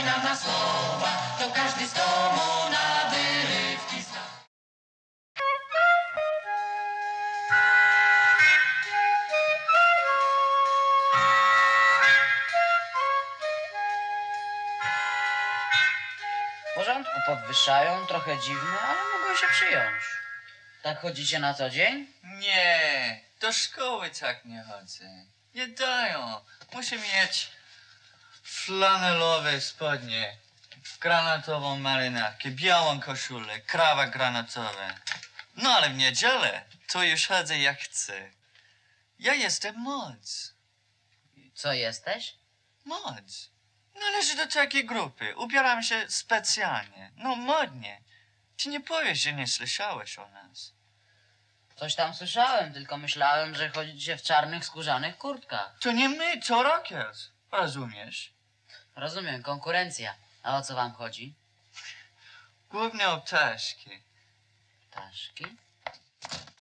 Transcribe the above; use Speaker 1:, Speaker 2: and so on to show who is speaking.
Speaker 1: nam na słowa, to każdy z domu na wyrywki zna.
Speaker 2: W porządku, podwyższają, trochę dziwne, ale mogą się przyjąć. Tak chodzicie na co dzień?
Speaker 3: Nie, do szkoły tak nie chodzę. Nie dają. Muszę mieć flanelowe spodnie, granatową marynarkę, białą koszulę, krawat granatowy. No ale w niedzielę to już chodzę jak chcę. Ja jestem moc.
Speaker 2: Co jesteś?
Speaker 3: Moc. Należy do takiej grupy. Ubieram się specjalnie. No modnie. Ty nie powiesz, że nie słyszałeś o nas.
Speaker 2: Coś tam słyszałem, tylko myślałem, że chodzicie w czarnych, skórzanych kurtkach.
Speaker 3: To nie my, to rockers. Rozumiesz?
Speaker 2: Rozumiem, konkurencja. A o co wam chodzi?
Speaker 3: Głównie o ptaszki.
Speaker 2: Ptaszki?